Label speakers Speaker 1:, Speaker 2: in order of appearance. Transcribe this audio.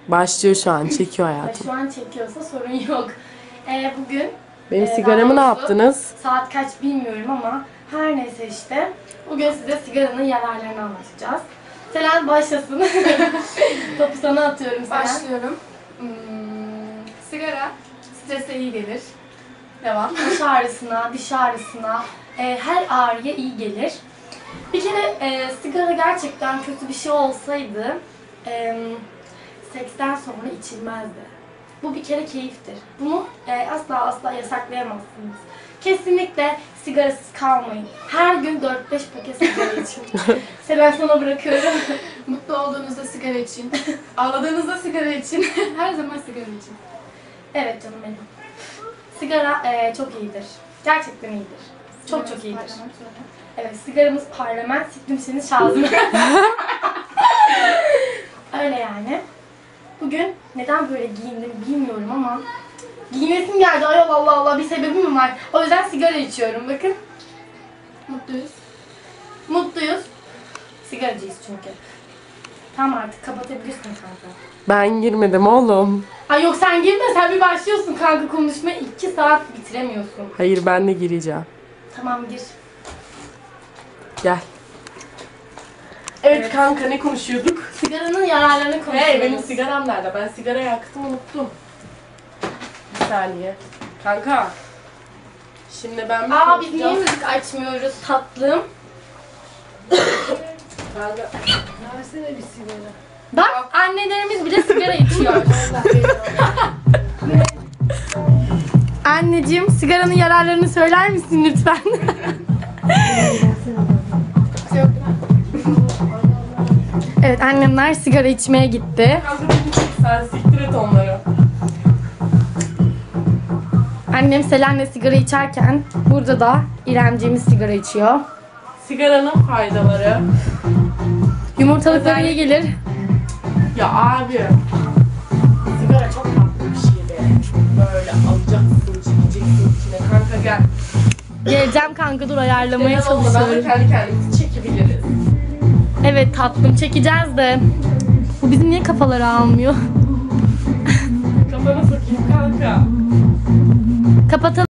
Speaker 1: Başlıyor şu an. Çekiyor hayatım.
Speaker 2: Şu an çekiyorsa sorun yok. Bugün
Speaker 1: Benim sigaramı ne yaptınız?
Speaker 2: Saat kaç bilmiyorum ama her neyse işte. Bugün size sigaranın yararlarını anlatacağız. Selen başlasın. Topu sana atıyorum Selen.
Speaker 3: Başlıyorum. Sigara strese iyi gelir. Devam.
Speaker 2: Baş ağrısına, diş ağrısına, her ağrıya iyi gelir. Bir kere sigara gerçekten kötü bir şey olsaydı seksten sonra içilmezdi. Bu bir kere keyiftir. Bunu asla yasaklayamazsınız. Kesinlikle sigarasız kalmayın. Her gün 4-5 paket sigara için. Selen sana bırakıyorum.
Speaker 3: Mutlu olduğunuzda sigara için. Ağladığınızda sigara için. Her zaman sigara için.
Speaker 2: Evet canım benim. Sigara çok iyidir. Gerçekten iyidir. Çok iyidir. Evet, sigaramız parlament, siktim şazım. Öyle yani. Bugün neden böyle giyindim bilmiyorum ama giyinesim geldi. Ay Allah bir sebebi mi var? O yüzden sigara içiyorum. Bakın.
Speaker 3: Mutluyuz.
Speaker 2: Mutluyuz. Sigaracıyız çünkü. Tamam artık kapatabilirsin kanka.
Speaker 1: Ben girmedim oğlum.
Speaker 2: Ay yok sen girme, sen bir başlıyorsun kanka konuşmaya. 2 saat bitiremiyorsun.
Speaker 1: Hayır, ben de gireceğim.
Speaker 2: Tamam gir.
Speaker 1: Gel. Evet kanka, ne konuşuyorduk?
Speaker 2: Sigaranın yararlarını konuşuyoruz.
Speaker 1: Hey, benim sigaram nerede? Ben sigara yaktım, unuttum. Bir saniye. Kanka. Şimdi ben bir
Speaker 2: Biz niye müzik açmıyoruz tatlım?
Speaker 1: Kanka.
Speaker 3: Versene bir sigara.
Speaker 2: Bak annelerimiz bile sigara içiyor. Anneciğim sigaranın yararlarını söyler misin lütfen? Evet, annemler sigara içmeye gitti.
Speaker 1: Kanka sen siktir et onları.
Speaker 2: Annem Selen'le sigara içerken burada da İremciğimiz sigara içiyor.
Speaker 1: Sigaranın faydaları.
Speaker 2: Yumurtalıklara iyi gelir.
Speaker 1: Ya abi. Sigara çok farklı bir şey be. Böyle alacaksın, çekeceksin içine. Kanka gel.
Speaker 2: Geleceğim kanka, dur ayarlamaya
Speaker 1: Neden olmadan da
Speaker 2: çalışıyorum.
Speaker 1: kendi kendimizi çekebiliriz.
Speaker 2: Evet tatlım, çekeceğiz de. Bu bizim niye kafaları almıyor?
Speaker 1: Kafana sokayım kanka.
Speaker 2: Kapatalım.